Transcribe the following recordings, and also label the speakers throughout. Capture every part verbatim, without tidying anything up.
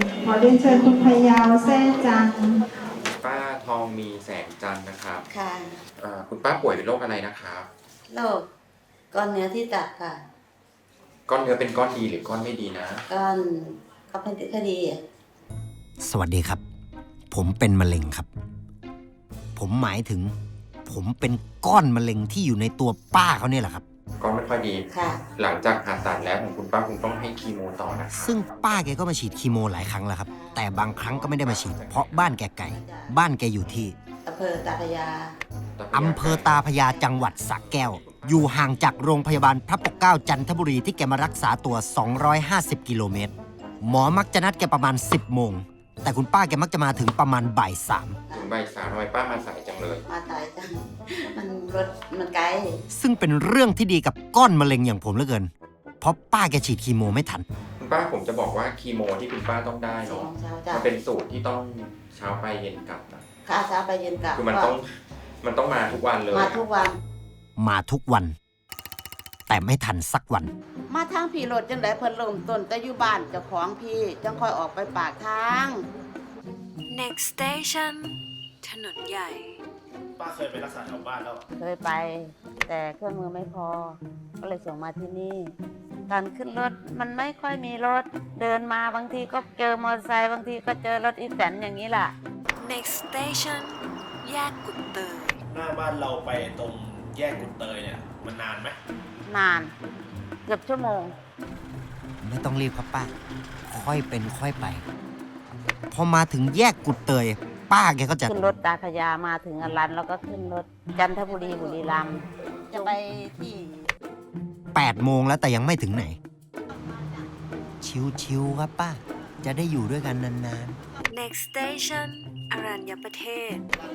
Speaker 1: ขอเรียนเชิญคุณพยาวแซ่จัน
Speaker 2: ป้าทองมีแสงจันทร์นะครับ
Speaker 3: ค่ะ
Speaker 2: คุณป้าป่วยเป็นโรคอะไรนะครับ
Speaker 3: โรคก้อนเนื้อที่ตับค่ะ
Speaker 2: ก้อนเนื้อเป็นก้อนดีหรือก้อนไม่ดีนะ
Speaker 3: ก้อนก็เป็นคดี
Speaker 4: สวัสดีครับผมเป็นมะเร็งครับผมหมายถึงผมเป็นก้อนมะเร็งที่อยู่ในตัวป้าเขาเนี่ยแหละครับ
Speaker 2: ก้อนไม่ค่อยดี
Speaker 3: ค่ะ
Speaker 2: หลังจากผ่าตัดแล้วของคุณป้าคงต้องให้คีโมต่อนะ
Speaker 4: ซึ่งป้าแกก็มาฉีดคีโมหลายครั้งแล้วครับแต่บางครั้งก็ไม่ได้มาฉีดเพราะบ้านแกไกลบ้านแกอยู่ที่
Speaker 3: อำเภอตาพยา
Speaker 4: อำเภอตาพยาจังหวัดสระแก้วอยู่ห่างจากโรงพยาบาลพระปกเกล้าจันทบุรีที่แกมารักษาตัวสองร้อยห้าสิบกิโลเมตรหมอมักจะนัดแกประมาณสิบโมงแต่คุณป้าแกมักจะมาถึงประมาณบ่ายสาม
Speaker 2: ถึงบ่ายสามทำไมป้ามาสายจังเลย
Speaker 3: มาสายจังมันรถมันไกล
Speaker 4: ซึ่งเป็นเรื่องที่ดีกับก้อนมะเร็งอย่างผมเหลือเกินเพราะป้าแกฉีดคีโมไม่ทัน
Speaker 2: คุณป้าผมจะบอกว่าคีโมที่คุณป้าต้องได้เนาะมันเป็นสูตรที่ต้องเช้าไปเย็นกลับนะ
Speaker 3: ค่ะเช้าไปเย็นกลับ
Speaker 2: คือมันต้องมันต้องมาทุกวันเลย
Speaker 3: มาทุกวัน
Speaker 4: มาทุกวันแต่ไม่ทันสักวัน
Speaker 3: มาทางพี่รถจังไดเพิ่นเริ่มต้นแต่อยู่บ้านเจ้าของพี่จังค่อยออกไปปากทาง
Speaker 5: next station ถนนใหญ่
Speaker 6: ป้าเคยไปรักษาแถวบ้านแล้ว
Speaker 3: เคยไปแต่เครื่องมือไม่พอก็เลยส่งมาที่นี่การขึ้นรถมันไม่ค่อยมีรถเดินมาบางทีก็เจอมอเตอร์ไซค์บางทีก็เจอรถอีแตนอย่างนี้ล่ะ
Speaker 5: next station แยกกุดเตย
Speaker 6: หน้าบ้านเราไปตรงแยกกุดเตยเนี่ยมันนานไหม
Speaker 3: นานเกือบชั่วโมง
Speaker 4: ไม่ต้องรีบครับป้าค่อยเป็นค่อยไปพอมาถึงแยกกุดเตยป้าแกก็จะ
Speaker 3: ขึ้นรถตาพยามาถึงอรันแล้วก็ขึ้นรถจันทบุรีบุรีรัมย์จะไปที่
Speaker 4: แปดโมงแล้วแต่ยังไม่ถึงไหนชิวๆครับป้าจะได้อยู่ด้วยกันนาน
Speaker 5: ๆ next station อรัญญประเทศ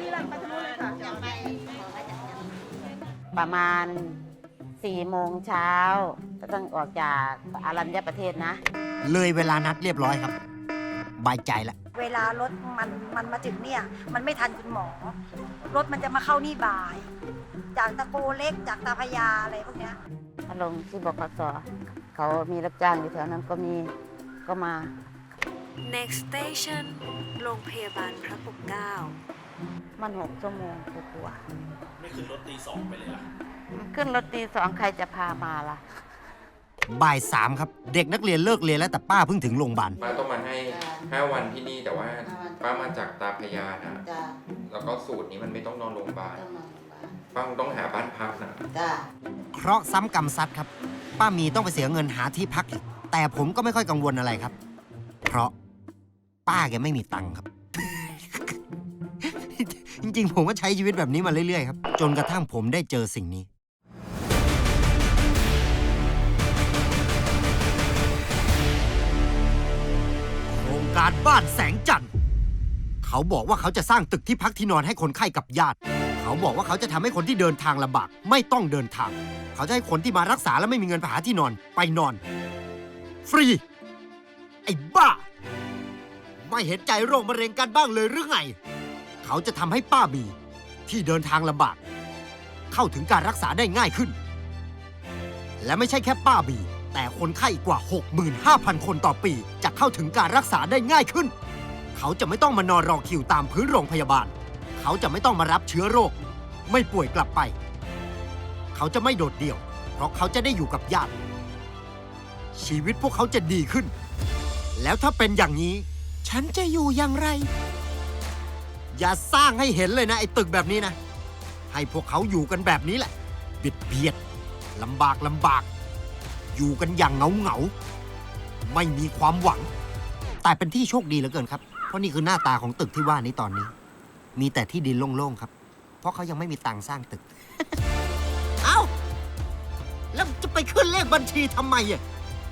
Speaker 3: ประมาณสี่โมงเช้าก็ต้องออกจากอรัญญประเทศนะ
Speaker 4: เลยเวลานัดเรียบร้อยครับบายใจละ
Speaker 7: เวลารถมันมันมาถึงเนี่ยมันไม่ทันคุณหมอรถมันจะมาเข้านี่บ่ายจากตะโกเล็กจากตาพยาอะไรพวกเนี้ย
Speaker 3: ถ้าลงที่บขสเขามีรับจ้างอยู่แถวนั้นก็มีก็มา
Speaker 5: next station โรงพยาบาลพระปกเกล้า
Speaker 3: มันหกชั่วโมงกว่า
Speaker 6: ไม่ขึ้นรถตีสองไปเลยล่ะ
Speaker 3: ขึ้นรถตีสองใครจะพามาล่ะ
Speaker 4: บ่ายสามครับเด็กนักเรียนเลิกเรียนแล้วแต่ป้าเพิ่งถึงโรงพยาบาล
Speaker 2: ป้าต้องมาให้ห้าวันที่นี่แต่ว่าป้ามาจากตาพยานะแล้วก็สูตรนี้มันไม่ต้องนอนโรงพยาบาลป้าต้องหาบ้านพักนะ
Speaker 4: เคราะห์ซ้ำกรรมซัดครับป้ามีต้องไปเสียเงินหาที่พักอีกแต่ผมก็ไม่ค่อยกังวลอะไรครับเพราะป้าแกไม่มีตังค์ครับจริงๆผมก็ใช้ชีวิตแบบนี้มาเรื่อยๆครับจนกระทั่งผมได้เจอสิ่งนี้โครงการบ้านแสงจันทร์เขาบอกว่าเขาจะสร้างตึกที่พักที่นอนให้คนไข้กับญาติเขาบอกว่าเขาจะทำให้คนที่เดินทางลำบากไม่ต้องเดินทางเขาจะให้คนที่มารักษาแล้วไม่มีเงินไปหาที่นอนไปนอนฟรีไอ้บ้าไม่เห็นใจโรคมะเร็งกันบ้างเลยหรือไงเขาจะทำให้ป้าบีที่เดินทางลำบากเข้าถึงการรักษาได้ง่ายขึ้นและไม่ใช่แค่ป้าบีแต่คนไข้กว่า หกหมื่นห้าพัน คนต่อปีจะเข้าถึงการรักษาได้ง่ายขึ้นเขาจะไม่ต้องมานอนรอคิวตามพื้นโรงพยาบาลเขาจะไม่ต้องมารับเชื้อโรคไม่ป่วยกลับไปเขาจะไม่โดดเดี่ยวเพราะเขาจะได้อยู่กับญาติชีวิตพวกเขาจะดีขึ้นแล้วถ้าเป็นอย่างนี้ฉันจะอยู่อย่างไรอย่าสร้างให้เห็นเลยนะไอ้ตึกแบบนี้นะให้พวกเขาอยู่กันแบบนี้แหละบิดเบียดลำบากลำบากอยู่กันอย่างเหงาเหงาไม่มีความหวังแต่เป็นที่โชคดีเหลือเกินครับเพราะนี่คือหน้าตาของตึกที่ว่านี้ตอนนี้มีแต่ที่ดินโล่งๆครับเพราะเขายังไม่มีตังค์สร้างตึก เอ้าแล้วจะไปขึ้นเลขบัญชีทำไมอ่ะ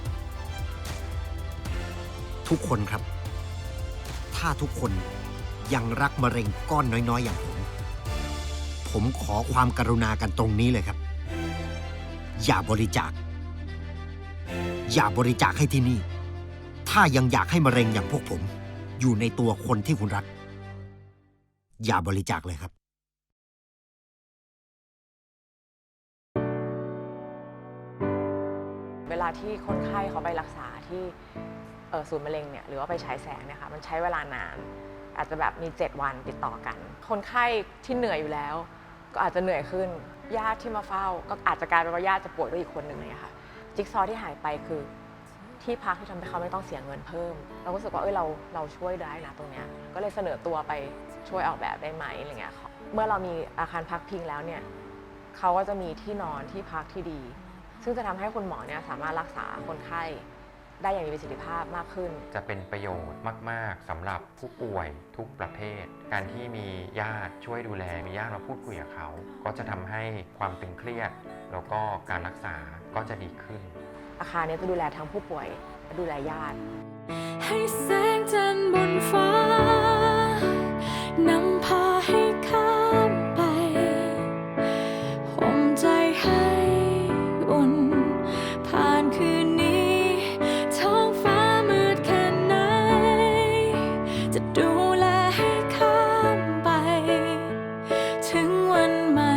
Speaker 4: ทุกคนครับถ้าทุกคนยังรักมะเร็งก้อนน้อยๆอย่างผมผมขอความกรุณากันตรงนี้เลยครับอย่าบริจาคอย่าบริจาคให้ที่นี่ถ้ายังอยากให้มะเร็งอย่างพวกผมอยู่ในตัวคนที่คุณรักอย่าบริจาคเลยครับ
Speaker 8: เวลาที่คนไข้เขาไปรักษาที่อศูนย์มะเร็งเนี่ยหรือว่าไปฉายแสงเนี่ยค่ะมันใช้เวลานานอาจจะแบบมีเจ็ดวันติดต่อกันคนไข้ที่เหนื่อยอยู่แล้วก็อาจจะเหนื่อยขึ้นญาติที่มาเฝ้าก็อาจจะกลายเป็นว่าญาติจะป่วยด้วยอีกคนหนึ่งเลยค่ะจิ๊กซอว์ที่หายไปคือที่พักที่ทำให้เขาไม่ต้องเสียเงินเพิ่มเราก็รู้สึกว่าเอ้ยเราเราช่วยได้นะตรงเนี้ยก็เลยเสนอตัวไปช่วยออกแบบได้ไหมอะไรเงี้ยเมื่อเรามีอาคารพักพิงแล้วเนี่ยเขาก็จะมีที่นอนที่พักที่ดีซึ่งจะทำให้คุณหมอเนี่ยสามารถรักษาคนไข้ได้อย่างมีประสิทธิภาพมากขึ้น
Speaker 2: จะเป็นประโยชน์มากๆสำหรับผู้ป่วยทุกประเภทการที่มีญาติช่วยดูแลมีญาติมาพูดคุยกับเขาก็จะทำให้ความตึงเครียดแล้วก็การรักษาก็จะดีขึ้น
Speaker 8: อาคารนี้จะดูแลทั้งผู้ป่วยและดูแลญาติ
Speaker 5: ให้แสงจันทร์บนฟ้านำพาให้ข้ามไปห่มใจให้อุ่นผ่านคืนนี้ท้องฟ้ามืดแค่ไหนจะดูแลให้ข้ามไปถึงวันใหม่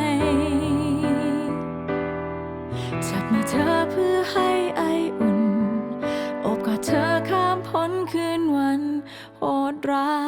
Speaker 5: จับมือเธอเพื่อให้ไออุ่นโอบกอดเธอข้ามพ้นคืนวันโหดร้าย